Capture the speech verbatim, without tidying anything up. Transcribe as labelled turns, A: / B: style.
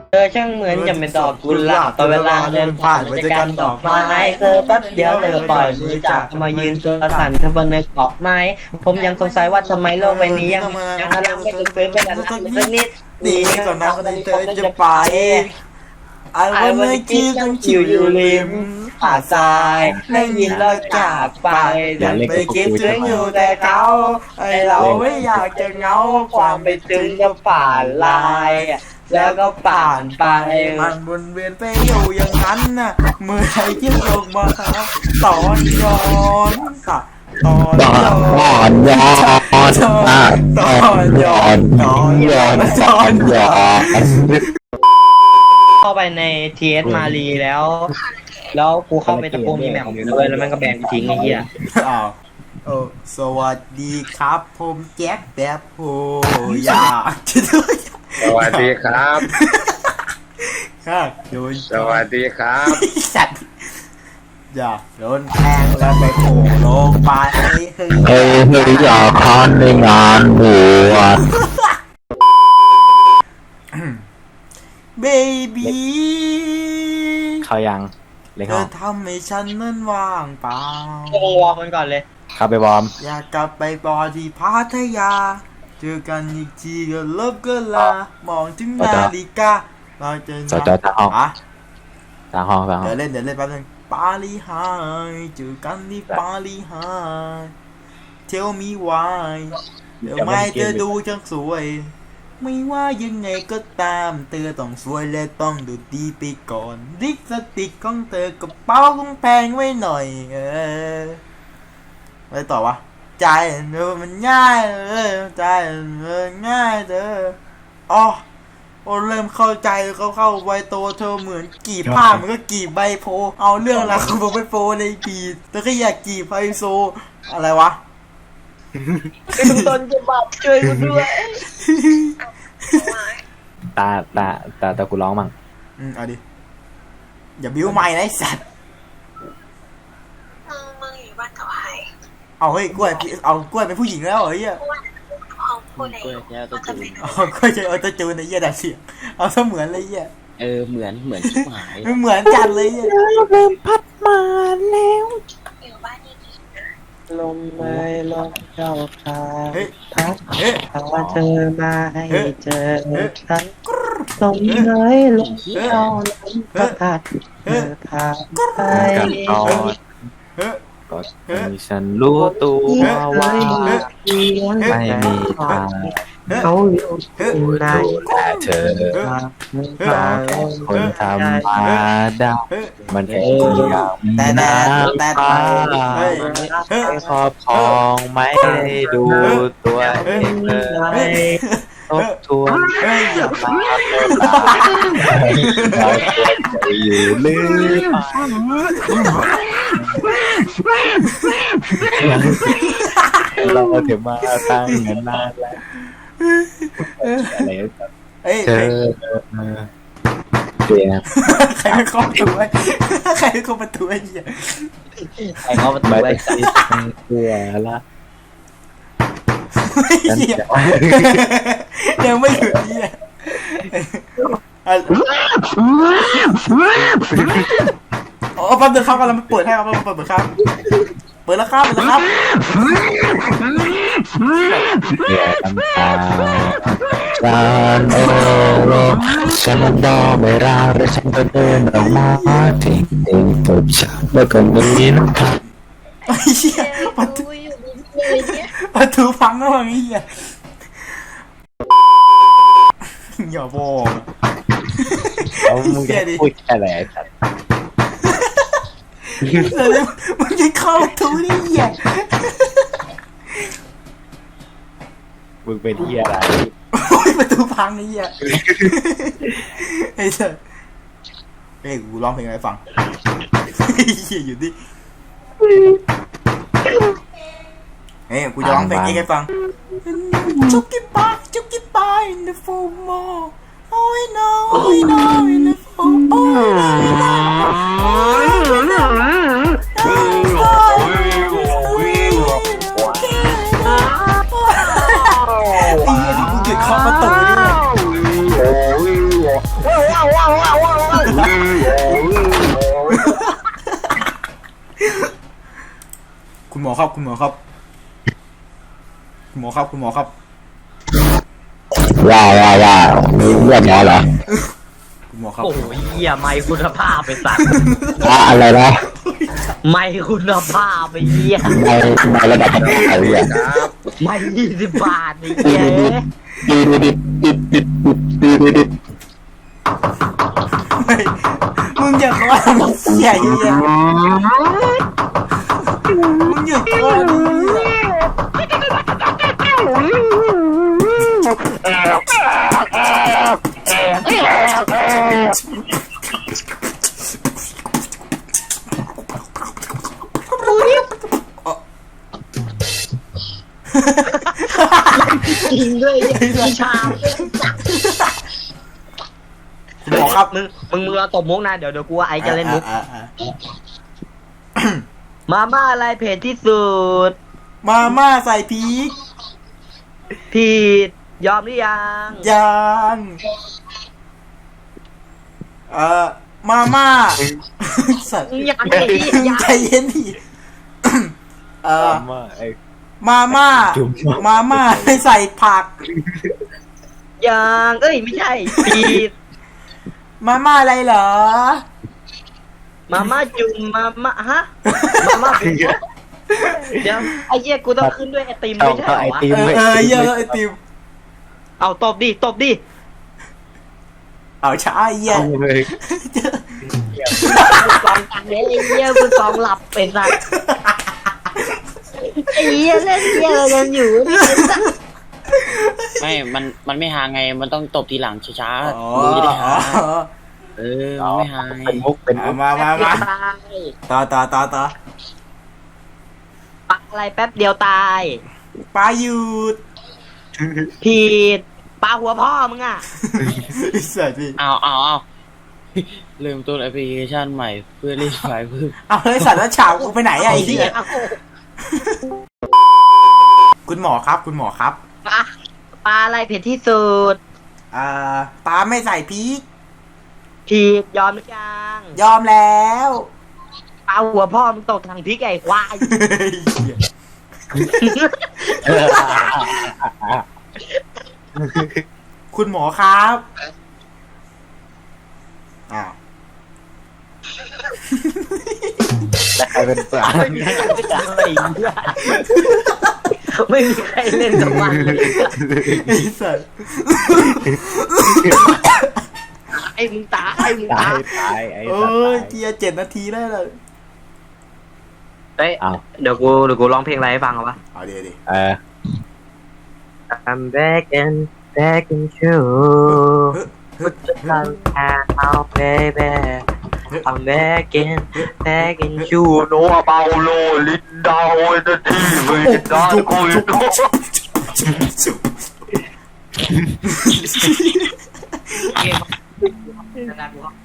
A: เธอช่างเหมือนจะเป็นดอกกุหลาบตอนเวลาเดินผ่านบริการดอกไม้เธอแป๊บเดียวเธอปล่อยมือจากมายืนตัวสั่นเธอบนเนื้อเกาะไม้ผมยังสงสัยว่าทำไมโลกใบนี้ยังยังรักไม่ถึงฟื้นไม่ดันรักสักนิดดีก่อนนะคนเธอจะไปไอ้วันนี้คิดต้องชิวอยู่ริมหาดทรายได้ยินแล้วจากไปดันไปคิดถึงอยู่แต่เขาไอเราไม่อยากจะเงาความไปถึงก็ป่านลายแล้วก็ป่านไปมันวนเวียนไปอยู่อย่างนั้นน่ะเมื่อไหร่ที่ลงมาตอนย้อนค่ะตอนย้อน
B: ตอนย้อนตอนย้อนตอนย้อนตอนย้อน
A: เข้าไปใน ที เอส มารีแล้ว แล้วกูเข้าไปตะโกนมีแมวของมึงด้วยแล้วมันก็แบนกูทิ้งไอ้เหี้ยอ้าวโอ้สวัสดีครับผมแจ็คแบบโหอยากจะด้วย
B: สวัสดีครับ
A: ครับโดน
B: สวัสดีครับ
A: สัตว์อยากโดนแทงแล้วไปโผล่ลงไปเฮ้ย
B: เฮ้ยเฮ้ยอยากคันในงานบวช
A: เบบี้
C: เขายังเลย
A: เธอทำให้ฉันนั้นว่างเปล่าโอ้วอร์มมันก่อนเลย
C: เข้าไปวอร์ม
A: อยากกลับไปบอที่พัทยาเจอกันอีกทีก็ลบก็ลามองถึงนาฬิกาเราจะ
C: จอดจอดทางห้อง
A: อะ
C: ทางห้องทางห้อง
A: เดี๋ยวเล่นเดี๋ยวเล่นแป๊บนึงปาลีไฮเจอกันที่ปาลีไฮเทลมีวายเดี๋ยวไม่เธอดูจังสวยไม่ว่ายังไงก็ตามเธอต้องสวยและต้องดูดีไปก่อนลิปสติกของเธอกระเป๋าคงแพงไว้หน่อยเออไปต่อวะใจเธอมันง่ายเลยใจเธอง่ายเธออ๋อโอ้เริ่มเข้าใจเขาเข้าไวโตเธอเหมือนกีบผ้ามันก็กีบใบโพเอาเรื่องราวของใบโพเลยปีเธอก็อยากกีบไฮโซอะไรวะต้นจะบับช่วยกูด้วย
C: ตาตาตาตากูร้องมั่ง
A: อืมเอาดิอย่าบิ้วไม่นะไอ้สัตว์
D: มึงมึงอยู่บ้านกับใคร
A: เอาเฮ้ยกล้วยเอากล้วยเป็นผู้หญิงแล้วเหรอเฮีย
D: เอาพูดอะไรมันจะเป็น
A: เอากล้วยจะเอาตัวจูนไอ้เหี้ยดัดเสียงเอาเสมือนเลยเหี้ย
E: เออเหมือนเหมือนชิบหาย
A: เหมือนจัดเลยเหี้ย
C: เริ่มพัดมาแล้ว
D: อยู่บ้านนี่
A: ลมไม่ลมเจ้าพาพัดพาเธอมาให้เจอฉันลมไม่ลมเจ้าลมก็พัดเธอพาไป
C: ก็มีฉันรู้ตัวว่าไม่มีทาง
A: เขาอยู่ใน
C: แต่เธอก็แค่คนธรรมดามันแค่อย่างน้ำตาครอบครองไม่ได้ดูตัวเองเลยทบทวนอย่ามาเราควรจะอยู่หรือเราถึงมาตั้งเงินนานแล้วอะไรเธอเดี๋ยว
A: ใครไม่เข้าประตูไว้ใครไม่เข้าประตูไอ้เหี้ย
E: ใครเข้าประตูไว้
C: กลัวละ
A: ยังไม่หยุดเนี่ยอ๋อแป๊บนึงครับกำลังเปิดให้ครับเปิดเปิดครับเปิดแล้วครับเปิดแล้วครับ
C: อย่าทำตาฉันโอ้โหฉันมันดอไม่รักและฉันก็เดินออกมาทิ้งทิ้งตบฉันแล้วก็มีน้ำตา
A: ไอ้เหี้ยประตูประตูพังแล้วไอ้เหี้ยอย่าบอก
C: เอามึงจะพูดอะไรกัน
A: มึงจะเข้าประตูได้เหี้ย
C: มึงเป็นเหี้ยอะไร
A: โอ้ยประตูพังไอ้เหี้ยไอ้เจ้าเฮ้ยกูร้องเพลงอะไรฟังไอ้เหี้ยอยู่ดิเฮ้ยกูจะร้องเพลงนี้ให้ฟังจุกกี้ปายจุกกี้ปาย in the full mall oh I know I know in the full oh I know ไอ้เหี้ยที่กูเกิดเคาะประตูเนี่ย
F: ครับคุณหมอครับคุณหมอครับคุณหมอครับ
B: ว้าวว้าวว้าวมีเลือดหมอเหรอ
F: คุณหมอครับ
A: โอ้ยเหี้ยไม่คุณภาพไปสัตว์
B: อ่ะอะไรนะ
A: ไม่คุณภาพไปเหี้ย
B: ในในระดับประเทศไทยอ่ะ
A: ไม่ยี่สิบบาทนี่เหี้ย
B: ดีดีดีดีดีดีดีดี
F: ไม่มึงอย่าคอยมันเสียเหี้ยมึงอย่าคอยมันเสีย
A: จริงด้วยพี่ชาม
F: คุณหมอครับ
A: มึงมึงมึงเอาตบมุกนะเดี๋ยวเดี๋ยวกูว่าไอ้จะเล่นมุก
F: อ่ะอ่ะอ่ะ
A: มาม่าอะไรเผ็ดที่สุด
F: มาม่าใส่พริก
A: ผิดยอมหรือยัง
F: ยังเอ่อมาม่าสัตว์
A: ยังไงยัง
F: ใจเย็นดิเอ่อ
C: มาไอ้
F: มาม่า
C: จุ่ม
F: มาม่าไม่ใส่ผัก
A: ยังเอ้ยไม่ใช่ผิด
F: มาม่าอะไรเหรอ
A: มาม่าจุ่มมาม่าฮะมาม่าเป็นเดี๋ยวไอ้เหี้ยกูต้องขึ้นด้วยไอติม
C: เอา
A: ไม่ใช่
C: เข้า
A: เหร
C: ไอ
A: อวะ
C: ติม
F: เออ
C: ไม่
F: เออเยอะไอติม
A: เอาตบดิตบดิ
F: เอาช้าไอ้เหี้ย
C: เอาเลย
A: มึงสองตังเนี้ยไอ้เหี้ยมึงสองหลับเป็นสัตว์ไอ้เหี้ยเล่นเหี้ยอะไรกันอยู่เนี่ย
E: ไม่ มัน มันไม่หาไง มันต้องตบทีหลังช้า
F: อ๋อ
E: ๆดูจะได้
F: อ๋
E: หา
F: อ
E: เออ มันไม่หาไง
C: เป็นมุกเป็นมุ
F: เอา
C: ก
F: มามามา
A: ตาย
F: ต่อต่อต่อต่อ
A: ปลาอะไรแป๊บเดียวตาย
F: ปลาหยุด
A: ผิดปลาหัวพ่อมึงอ่ะ
F: ไอ้สัตว์พี่
E: เอาเอาเอาเริ่มต้นแอปพลิเคชันใหม่เพื่อเล่นไฟล์เพิ่ม
F: เอาเลยสัตว์แล้วฉากกูไปไหนอะไอ้เหี้ยคุณหมอครับ คุณหมอครับ
A: ปลาปลาอะไรเผ็ดที่สุด
F: อ่าปลาไม่ใส่พริก
A: ผิดยอมหรือยัง
F: ยอมแล้ว
A: ปลาหัวพ่อมึงตกทางพริกไอ้ควาย
F: คุณหมอครับอ้าว
C: แต่ใครเป็นสา
A: ไม่มีใครเล่นอะไรเนี่ยไม่มีใครเล่นกับมันเลย
F: ไอ้สัตว์
A: ไอ้มึงตายไอ้มึง
C: ตา
A: ตาย ย
C: ตายไอ้
F: เอ้
C: สัตว์
F: ย
C: ตาย
F: เกียร์เจ็ดนาทีได้เลย
A: เฮ้ย
C: อ้าว
A: เดี๋ยวกูเดี๋ยวกูร้องเพลงอะไรให้ฟังเอาปะ
F: เอาเดี๋ยวดิ
C: เออ
A: I'm back and back in you Put your tongue out baby I'm back in back in you No about no Linda with the T with the going เกม